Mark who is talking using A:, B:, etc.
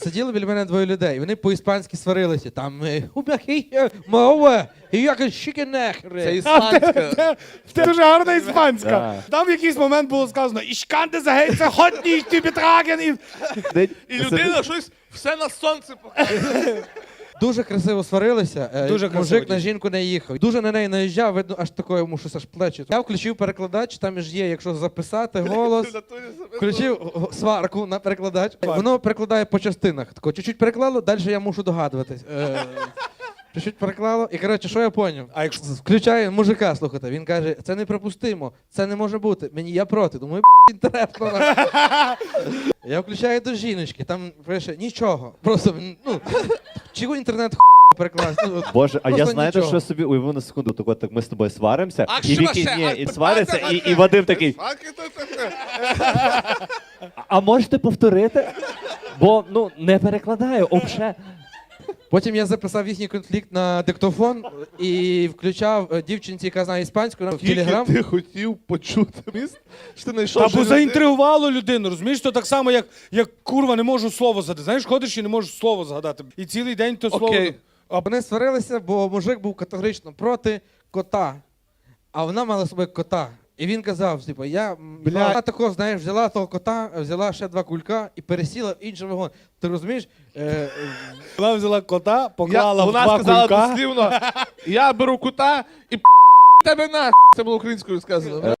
A: Сиділи біля мене двоє людей, вони по-іспанськи сварилися. Там мова, якось щикенехри.
B: Це іспанська.
C: Це дуже гарна іспанська. Там в якийсь момент було сказано «Ich kann das Heize heute nicht übertragen».
B: І людина щось все на сонце показує.
A: Дуже красиво сварилися.
C: Дуже красиво,
A: Мужик на
C: дійсно.
A: жінку не їхав. Дуже на неї наїжджав, видно, аж такое йому щось аж плечі. Я включив перекладач, там ж є, якщо записати голос. Включив сварку на перекладач. Воно перекладає по частинах. Тако, чуть-чуть переклало, далі я мушу догадуватись. Чуть-чуть переклало. І, коротше, що я поняв?
C: А якщо
A: Включаю мужика, слухайте, він каже, це неприпустимо, це не може бути. Мені я проти. Думаю, інтересно. Я включаю до жіночки, там пише нічого. Просто, чого інтернет перекласти?
D: Боже, а я
A: Просто
D: знаєте,
A: нічого.
D: що собі уявив на секунду, так ми з тобою сваримося,
B: А
D: і
B: що
D: Вікі,
B: ще?
D: ні, і свариться, і Вадим такий, а можете повторити? Бо, не перекладаю, обше.
A: Потім я записав їхній конфлікт на диктофон і включав дівчинці, яка знає іспанську, в Телеграм.
B: Ти хотів почути міст? Що ти знайшов?
C: Та
B: що
C: бо
B: люди-
C: заінтригувало людину, розумієш? То так само, як курва не можу слово згадати. Знаєш, ходиш і не можеш слово згадати. І цілий день то слово...
B: Окей.
A: А вони сварилися, бо мужик був категорично проти кота, а вона мала собі кота. І він казав, типу, вона такого, знаєш, взяла того кота, взяла ще 2 кулька і пересіла в інший вагон. Ти розумієш?
C: Вона взяла кота, поклала в
B: Вона
C: 2
B: сказала
C: кулька.
B: дослівно, я беру кота і тебе на. Це було українською сказано.